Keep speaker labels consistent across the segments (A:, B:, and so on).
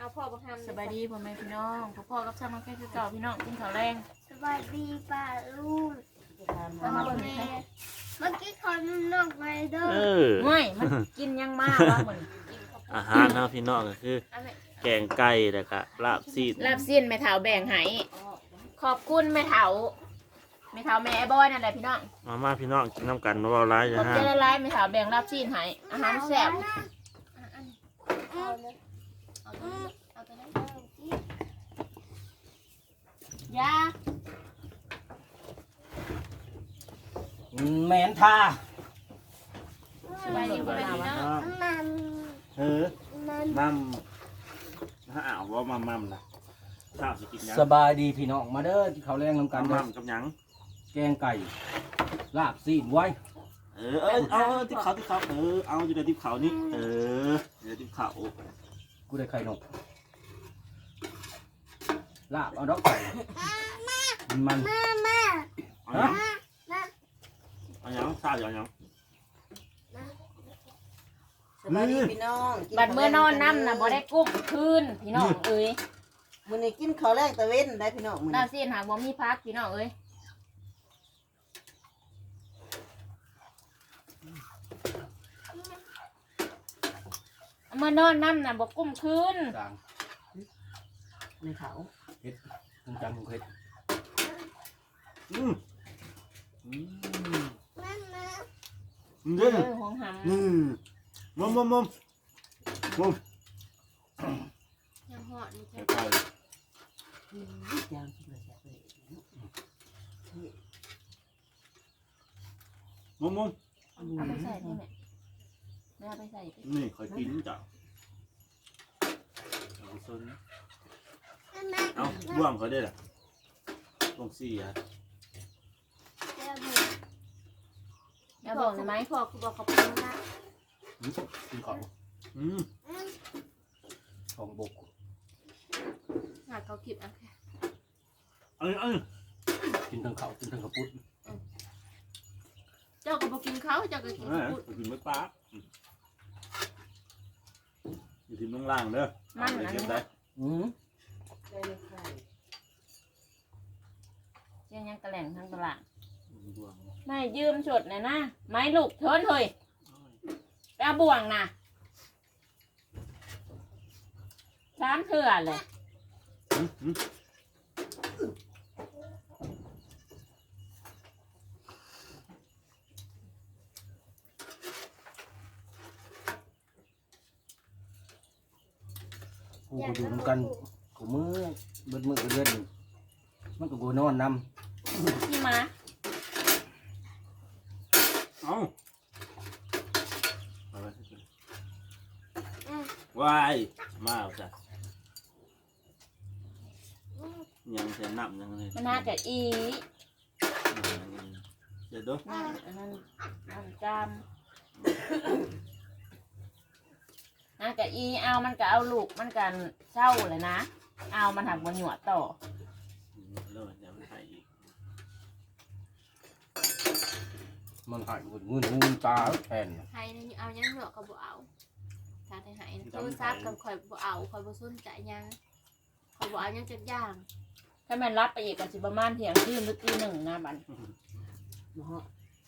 A: เอาพ่อบังคับ
B: สบายดีพ่อแม่พี่น้องพ่อกับช่างน้องแค่คือเก่าพี่น้องกินข้าวแรง
A: สบายดีป้าลุง
B: มามาเบิ่งให้
A: เมื่อกี้คนนอกไปเด้อ
B: ง่วยมันกินยังมากวะเหมือน
C: อาหารเนาะพี่น้องก็คือแกงไก่แล้วก็ลาบซีด
B: ลาบสิ้นแม่เฒ่าแบ่งให้ขอบคุณแม่เฒ่าแม่เฒ่าแม่ไอ้บอยนั่นแหละพี่น้อง
C: มาพี่น้องกินน้ำกันเบาๆร้าย
B: ข
C: จะ
B: อบ
C: ห้า
B: ใจละลายแม่เฒ่าแบ่งลาบสิ้นให้อาหารแซ่บ
A: เอาเลยเอาตัวนั้น
B: ยา
D: แมนท่า
B: สบายดีพ่อแม่พี่น้อง
A: มัน
C: มัมถ้าอ่าวว่ามัมนะข้าวสิกินยัง
D: สบายดีพี่น้องมาเด้อที่เขาวแรงนำกันเด้
C: มั
D: อ
C: มกับยัง
D: แกงไก่ลาบซีนไว้
C: เอาทิพเขาเอาอยู่ในทิพเขานี่อยู่ในทิพเขา
D: กูได้ไข่นกลาบเอาดอกไก่มัน
C: เอายังเอายังข้าวเอายัง
E: สบายดีพี่น้อง
B: บัดเมื่อนอนน้ำน่ะบ่ได้กุ้มคืนพี่น้องเอ้ย
E: มื้อนี้กินข้าวแรกตะเว้นได้พี่น้องมื้อ
B: ลา
E: นี้
B: บสิ้นหากบ่มีพักพี่น้องเอ้ยเมื่อนอนน้ำน่ะบ่กุ้มคืน
D: กลาง
E: ในเขา
D: มึงจังมึงเคย
C: อืม
B: เอ
C: นี่
B: อหวงหำ
C: มุม
A: ยังหอดนี่
C: ไก่
A: แค่
E: ยางกินเลยแซ่บเลย
C: มุม
B: เอาไปใส่นี่แม่ไม่เอาไปใส่ดิ
C: นี่คอยกินจ้ะเอาบ่วงเขาได้หรอบ่วงสี่อ่ะ
B: อย่าบอกนะไหม
A: พ่อคือบอกขอบคุณนะ
D: กินของ
C: อืม
D: ของบก
A: หาเขาคลิปอ่ะ
D: กินทั้งเขาวกินทั้งกระปุ้น
A: เจ้าก็บอกกินเขาเจ้าก็กิน
C: พูดกินไม่ปลาอยู่ที่เมืองล่างเด้อเก็บได้
E: ได้เลยค่ะ
B: เจียงยังกระแหล่งทางตลาดไม่ยืมฉดหน่อยนะไม้ลูกเทินเฮ้ยไปเอาบ่วงนะช้ามเถื่อเลย
D: กูก็อยู่นำกันกูมือเบิดมือเบิดเดือนมันก็กูนอนน
B: พี่มา
C: เอาวายมาจ้ะยังจะนับยังเลย
B: มันน่าจะอี
C: เดี๋ยวดู
B: นั่นอันนั้นน้ำจามน่าจะอีเอามันก็เอาลูกมันกันเศร้าเลยนะเอามันหักบนหยวดต่อ
C: แล้วจะไม่ให้อีก
D: ำมันหายหมดมือหูตาแทน
A: ไทยนี่เอายังเหรอก็บอกเอาถ้าไทยหายโทรศัพท์กับคอยบอกเอาคอยบอกสนใจยังคอยบอกเอายังจัดย่าง
B: ถ้ามันรับไปอีกก็สิประมาณเที่ยงคืนหรือตีหนึ่งนะบัด
E: บ่ฮะ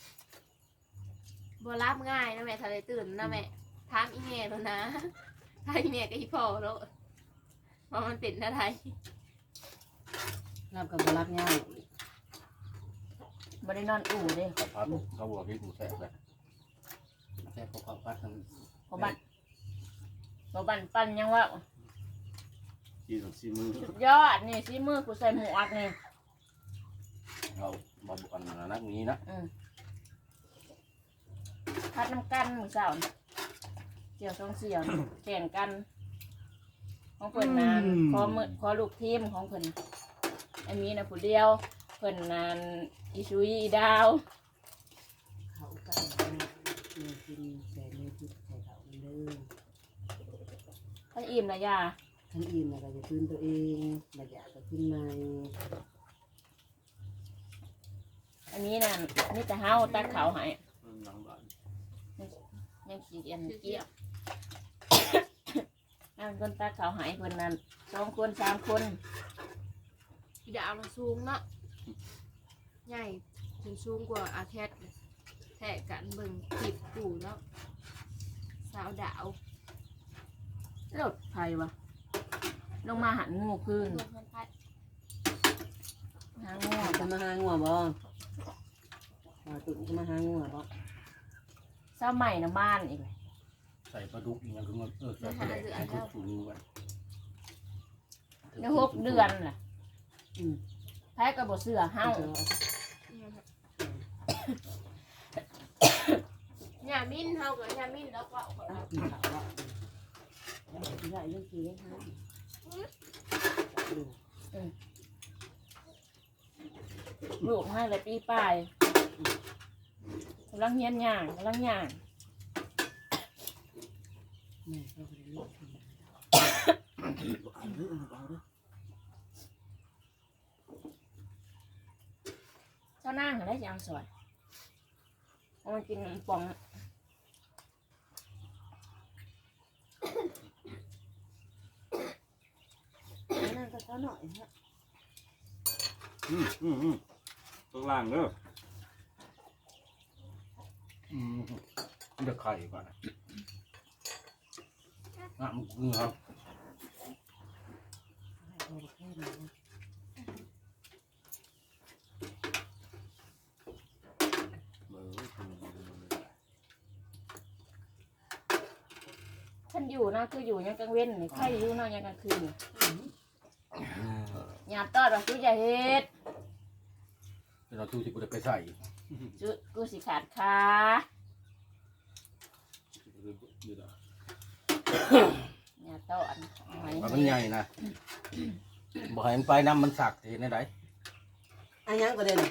A: บัวรับง่ายนะแม่ทะเลตื่นนะแม่ถามอีเมลแล้วนะถ้าอีเมลกับอีพ่อแล้วเพราะมันเป็นอะไร
E: รับกับบ่รับง่าย
B: บ่ได้นอนอู่เด้
D: เขาพัดเขาบอกให้กูแซ่บเลยแซ่บเขาพัดทั้ง
B: เพราะบัดปั่นยังว่า
C: กินของซีมือ
B: สุดยอดนี่ซีมือกูใส่หมวกนี่
D: เราบอกันนักนี้นะ
B: พัดน้ำกันมือเสาร์เสี่ยวสองเสี่ยวนี่แข่งกัน ของเพิ่นนานขอลูกทีมของเพิ่นอันนี้นะผู้เดียวเพิ่นนานอีชุยอีดาว
E: เขากันกินใส่เลยพริกใส่เขาเด้อ
B: ท่านอิ่มนะยา
E: ท่านอิ่มแล้วก็จะตื่นตัวเองบ่อยากก็กินใหม่
B: อันนี้น่ะนี่แต่เฮาตักเขาวให้
C: หลังบ้าน
B: ยังขี้เกียจเกี่ยวอันคนตาเขาหายเพิ่นนั่น2 คน3 คน
A: อีดาวน่ะสูงเนาะใหญ่ถึงสูงกว่าอาแคทแทะกันเบิ่งติดกูเนาะสาวดาว
B: รถไฟวะลงมาหันงูคืน
A: รวมกันไป
B: หางู
E: จะมาหางัวบ่มาตุ่นจะมาหางัวบ่
B: เศร้าใหม่นะบ้านอีกเลย
D: ใส่ปลาดุกอย่างคือมันใส่ปลาแดกให้ทุกถุงไว้
B: ใน6 เดือนล่ะ
E: อืม
B: แพ้กระบอกเสือเห่า
A: หญ้ามิ้นเฮากับหญ้ามิ้นแล้วก็เอาไป
E: อ้าวกินข้าวบ่ได้เรื่องกี่ได้ฮะ
B: ลูกให้เลยปีปลายกำลังเฮียนย่างกำลังย่าง
E: แม่ก็บ่ได้เลี้ยง
C: เอาเด้อเอาเด้อ
B: เจ้านั่งได้ยังสวยเอามากินปอง
E: นั่นก็เขาหน่อยฮะ
C: ข้างล่างเด้อ
D: เดือดไข่ก่อนนะมันคือครับ
E: ให้โตแค่ไหนนะ
B: ท่านอยู่นะคืออยู่ยังกลางเว้นนี่ใครอยู่เนาะยังกลางคืนอย่าตอดว่ากูจะเฮ็ด
D: เราตู้ที่กูจะไปใส่
B: จุกูสิขาดขา อย่าตอดหอย
D: มันใหญ่นะบ่ให้มันไปน้ำมันสักเห็นได้ไหม
E: อันยังก็ได้เลย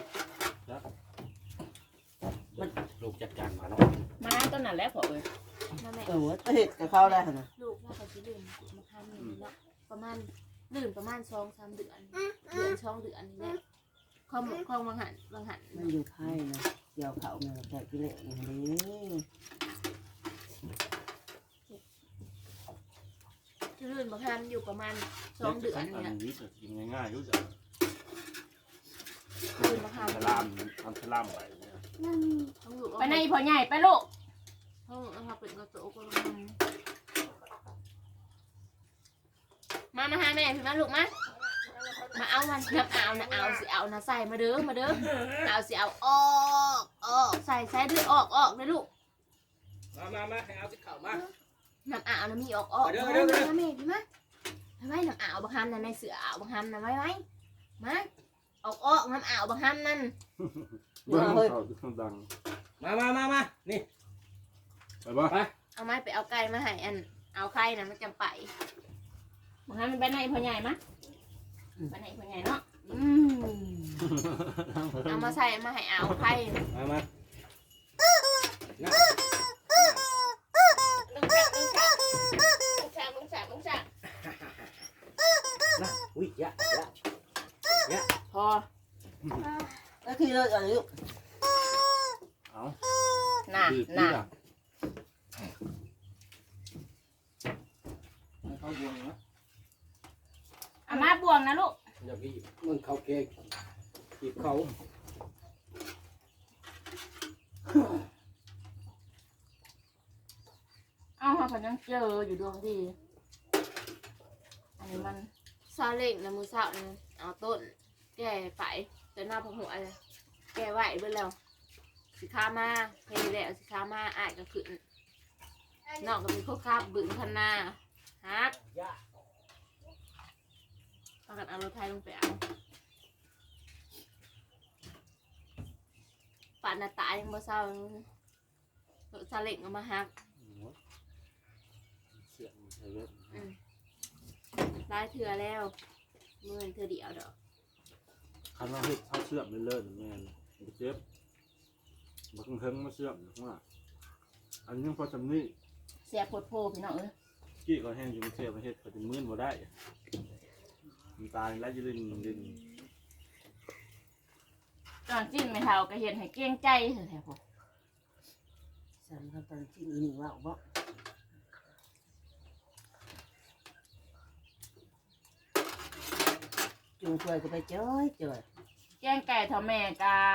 D: ลูกจัดการมาเนาะ
B: มาต้นนั้นแหล้วพอเอ้ย
A: มาแม่
E: ก็เห็ดกับเขาได้หั่นน่ะ
A: ลูกน่าจะสิดื่มมาทำนี่เนาะประมาณดื่มประมาณ2-3 เดือน2 เดือนนี่แหละของบางหัน
E: มันอยู่ไผ่นะเกี่ยวเขาแม่แขกกิเลสนี่นี่
A: ดื่มบางหันอยู่ประมาณ2 เดือน
C: อั
A: นี่
C: น
A: แหละ
C: นี้จะกินง่ายๆรู้จัก
A: ดื่มบางหัน
C: สลามทำสลามไปเนี่ย
A: ต้องอยู่
B: ไปในพ่อใหญ่ไปลูก
A: ห้องเอาเป็นกระโจกมาหาแม่พี่มาลูกมาเอามันน้ำเอาสิเอานะใส่มาเด้อเอาสิเอาออกใส่เด้อออกเลยลูก
D: มาให้เอาที่เข่ามา
A: น้ำอ่าวนะมีออก
D: เดี๋ยว
A: แม่พี่มาไว้น้ำอ่าวบางฮัมนั่นในเสืออ่าวบางฮัมนั่นไว้มาออกน้ำอ่าวบางฮัมนั่น
C: เบิ้งเขาดัง
D: มานี่
C: ไปบ่
A: เอาไม้ไปเอาไก่มาให้อันเอาไข่นะมันจำไป
B: มึงให้มันไปในพ่อใหญ่มะไปในพ่อใหญ่เนาะ
A: เอามาใส่มาให้เอาไข่
D: มา
A: ลุงแฉก
D: นะอุ้ยยะ
B: พอ
E: แล้วคือเราอายุ
C: เอา
B: น่ะ
D: เขาบวงนะ
B: เอามาบวงนะลูก
D: อย่าพี่มึงเขาเกกกีบเขา
B: เอาเขาพยังเจออยู่ดวงดีอันนี้มัน
A: ซาเล้งนะมือสาวนี่เอาต้นแก่ไปแต่หน้าพหัวเลยแก่ไหวเบิ่แล้วสิค้ามาเพลแล้วสิค้ามาอ้ายก็ขึ้นนอกก็มีข้าวคาบบึ้งพันนาฮักพากันเอารถไทยลงไปเอาป่านหน้าตายังบ่เศร้ารถซาเล้งเอามาฮัก
C: เสียงใส่เว็บ
A: ได้เถื่อแล้วเมื่อเถื่อเดียวดอก
C: คันว่าเฮ็ดเขาเสื่อมเลื่อนแม่นเจ็บบักเฮิงมาเสื่อมว่าอันนี้พอจำนี่
B: เสียโพดโพพี่น้องเอ้ย
C: กี้ก็แห้งอยู่เสียประเทศเขาจะมื้นบ่ได้มันตายแล้วจะลิ้น
B: ตอนจิ้นไม่เท่าก็เห็นให้เกรงใจเถอะแท้พอ
E: สามคำตอนที่อีหนึ่งว่าบ่จุงควยก็ไปจ้อยจ้อย
B: แกงไก่ทอแม่กา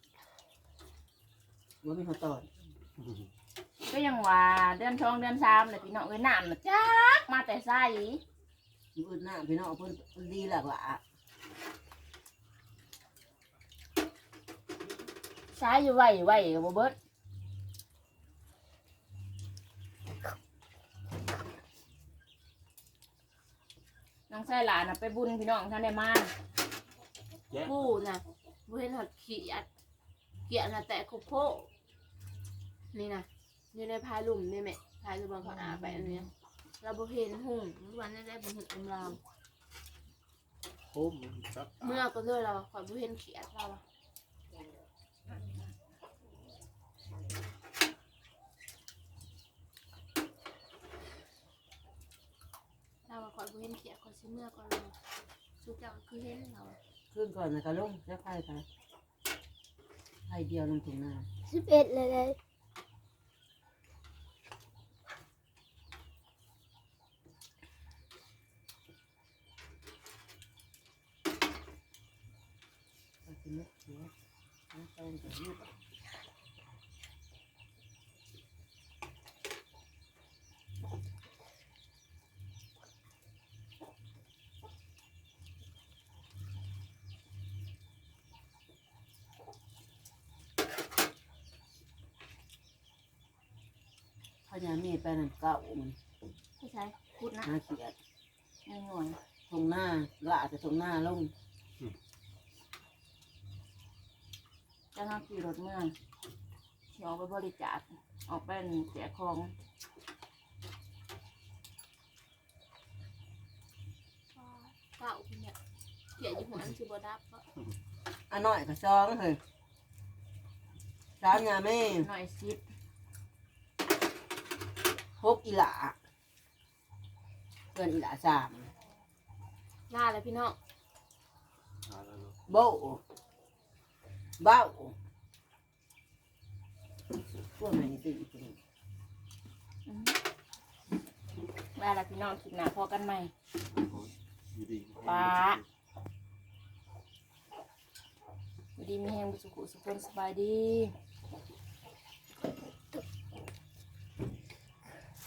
E: ว่ามีเขาตอด
B: ก็ยังว่าเดือน2เดือน3เลยพี่น้องเอ้ยน้ำน่ะจักมาแต่ไส
E: อื่นหน้าพี่น้องเพิ่นดีหลักละ
B: ใช้อยู่ไหวกับบ่เบิดน้องชายหลานน่ะไปบุญพี่น้องท่านได้มา
C: แย่
A: ผู้น่ะบ่เห็นหอดเขียดน่ะแต่คุกโพนี่นะอยู่ในพายลุ่มนี่แม่พายลุ่มเขาอาไปอันเนี้ยเราบ่เห็นหุ่งวันนั้นได้บ่เห็นอำลาม
C: โคมจับ
A: เมื่อก็เลยเราขอยบ่เห็นเขียดเราอะเราขอยบ่เห็นเขียดขอยสิเมื่อก่อนเราสุดเจ้าคือเห็นเรา
E: ขึ้นก่อนนะกะลุงจะไข่ไปไข่เดียวลงถุงนา
F: 11เลย
E: ก็คือนึกเสียน้ำตาลกับยืดข้าวยามีไปนั่นเก่ามัน
B: ผู้ชายพูดนะ
E: หาเขียด
B: ไม่หน่อย
E: ตรงหน้าละแต่ตรงหน้าลง
B: จะมาขี่รถเมืองสิออกไปบริจาคออกไปแจกของ
A: เก่าคุณเนี่ยเขียดอยู่หัวอันสิบ่ดับก็
E: อันน้อยก็ซองเฮ้ยสามยาแม่
B: หน่อยซิด
E: พกอีหลาเกินอีหลาสาม
A: ล่าแล้วพี่น้อง
C: หาแล้วเนาะ
E: โบ้เบ้าพวกไหนตีอีกที
B: มาแล้วพี่น้องคลิปหน้าพอกันใหม่
C: อยู่ดี
B: ป้า อยู่ดีมีแหงบุสุขุสุขคนสบายดี